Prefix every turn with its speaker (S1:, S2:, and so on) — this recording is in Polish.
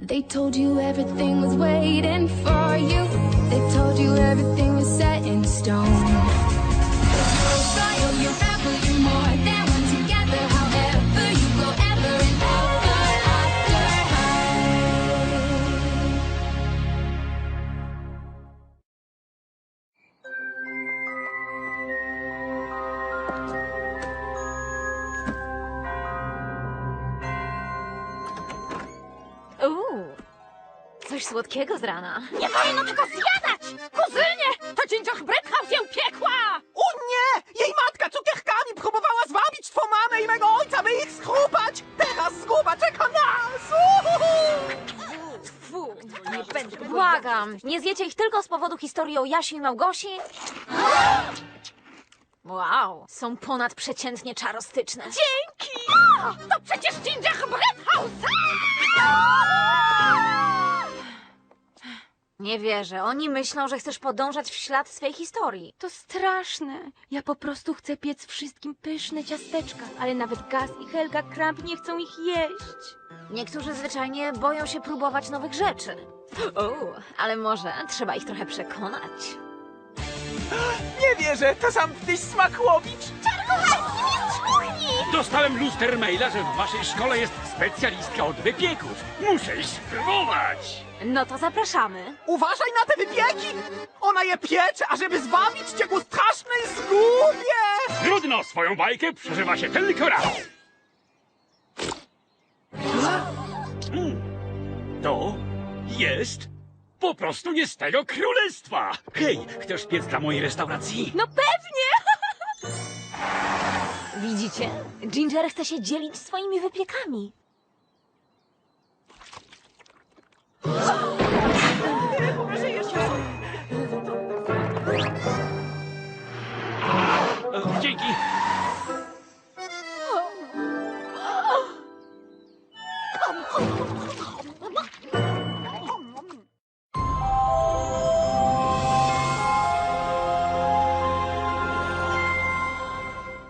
S1: They told you everything was waiting for you. They told you everything was set in stone. Royal, you rebel, you more than one together. However, you go ever and ever after high.
S2: Coś słodkiego z rana.
S3: Nie wolno tego zjadać! Kuzynie! To gingerbread house ją piekła!
S4: O nie! Jej matka cukierkami próbowała zwabić twą mamę i mego ojca, by ich schrupać! Teraz zguba czeka nas!
S2: Fu, nie będę. Błagam, nie zjecie ich tylko z powodu historii o Jasi i Małgosi? Wow, są ponadprzeciętnie czarostyczne.
S3: Dzięki! To przecież gingerbread house!
S2: Nie wierzę, oni myślą, że chcesz podążać w ślad swej historii.
S5: To straszne. Ja po prostu chcę piec wszystkim pyszne ciasteczka, ale nawet Gaz i Helga Kramp nie chcą ich jeść.
S2: Niektórzy zwyczajnie boją się próbować nowych rzeczy. Ale może trzeba ich trochę przekonać.
S4: Nie wierzę, to sam tyś Smakłowicz!
S6: Dostałem luster maila, że w waszej szkole jest specjalistka od wypieków. Muszę ich spróbować.
S2: No to zapraszamy.
S4: Uważaj na te wypieki! Ona je piecze, ażeby zwabić cię ku strasznej zgubie!
S6: Trudno, swoją bajkę przeżywa się tylko raz. To jest po prostu nie z tego królestwa. Hej, chcesz piec dla mojej restauracji?
S5: No pewnie!
S2: Widzicie? Ginger chce się dzielić swoimi wypiekami.
S6: Dzięki.